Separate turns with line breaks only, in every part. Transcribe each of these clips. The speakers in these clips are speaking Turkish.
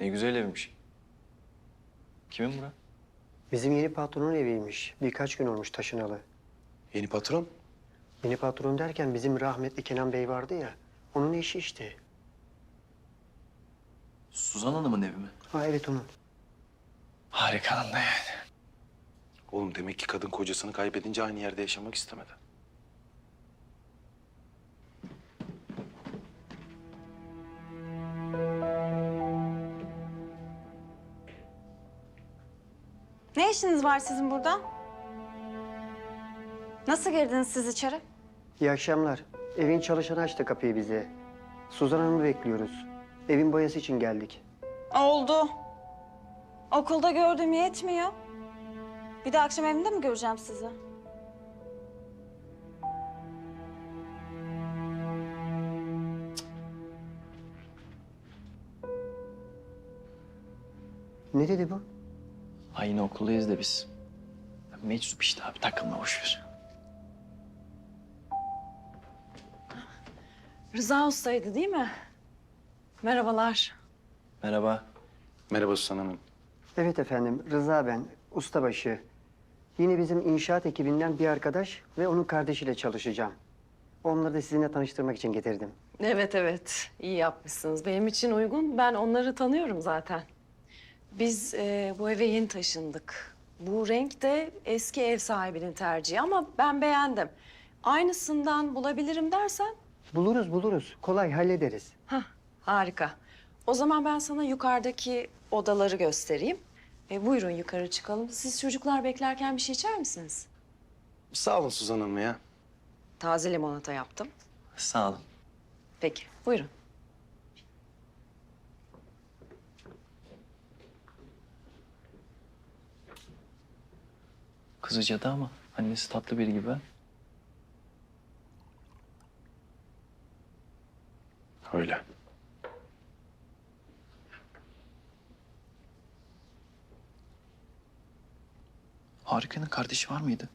Ne güzel evmiş. Kimin bura?
Bizim yeni patronun eviymiş. Birkaç gün olmuş taşınalı.
Yeni patron?
Yeni patron derken bizim rahmetli Kenan Bey vardı ya. Onun eşi işte.
Suzan Hanım'ın evi mi?
Ha evet onun.
Harika anda yani.
Oğlum demek ki kadın kocasını kaybedince aynı yerde yaşamak istemedi.
Ne işiniz var sizin burada? Nasıl girdiniz siz içeri?
İyi akşamlar. Evin çalışanı açtı kapıyı bize. Suzan Hanım'ı bekliyoruz. Evin boyası için geldik.
Oldu. Okulda gördüğüm yetmiyor. Bir de akşam evinde mi göreceğim sizi?
Ne dedi bu?
Aynı okuldayız da biz. Meczup işte abi, takılma boş ver.
Rıza Usta'ydı değil mi? Merhabalar.
Merhaba.
Merhaba Suzan Hanım.
Evet efendim, Rıza ben, ustabaşı. Yine bizim inşaat ekibinden bir arkadaş ve onun kardeşiyle çalışacağım. Onları da sizinle tanıştırmak için getirdim.
Evet evet iyi yapmışsınız. Benim için uygun. Ben onları tanıyorum zaten. Biz bu eve yeni taşındık. Bu renk de eski ev sahibinin tercihi ama ben beğendim. Aynısından bulabilirim dersen
Buluruz. Kolay hallederiz.
harika. O zaman ben sana yukarıdaki odaları göstereyim. Buyurun yukarı çıkalım. Siz çocuklar beklerken bir şey içer misiniz?
Sağ olun Suzan Hanım ya.
Taze limonata yaptım.
Sağ olun.
Peki buyurun.
Kızı cadı ama annesi tatlı biri gibi.
Öyle.
Harika'nın kardeşi var mıydı?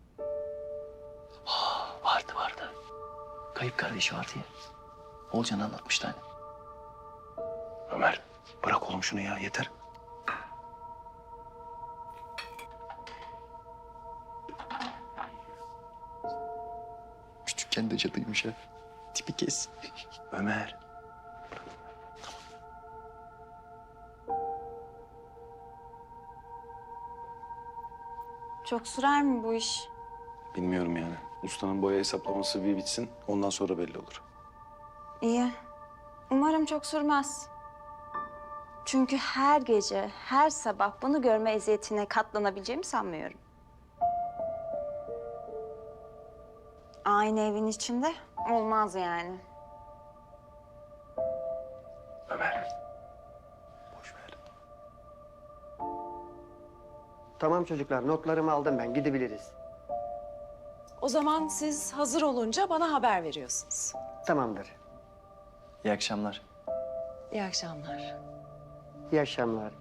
Vardı. Kayıp kardeşi vardı ya. Olcan anlatmıştı hani.
Ömer bırak oğlum şunu ya yeter.
Küçükken de cadıymış ha. Tipi kes.
Ömer.
Çok sürer mi bu iş?
Bilmiyorum yani. Ustanın boya hesaplaması bir bitsin ondan sonra belli olur.
İyi. Umarım çok sürmez. Çünkü her gece, her sabah bunu görme eziyetine katlanabileceğimi sanmıyorum. Aynı evin içinde olmaz yani.
Ömer. Boş ver.
Tamam çocuklar, notlarımı aldım ben. Gidebiliriz.
O zaman siz hazır olunca bana haber veriyorsunuz.
Tamamdır.
İyi akşamlar.
İyi akşamlar.
İyi akşamlar.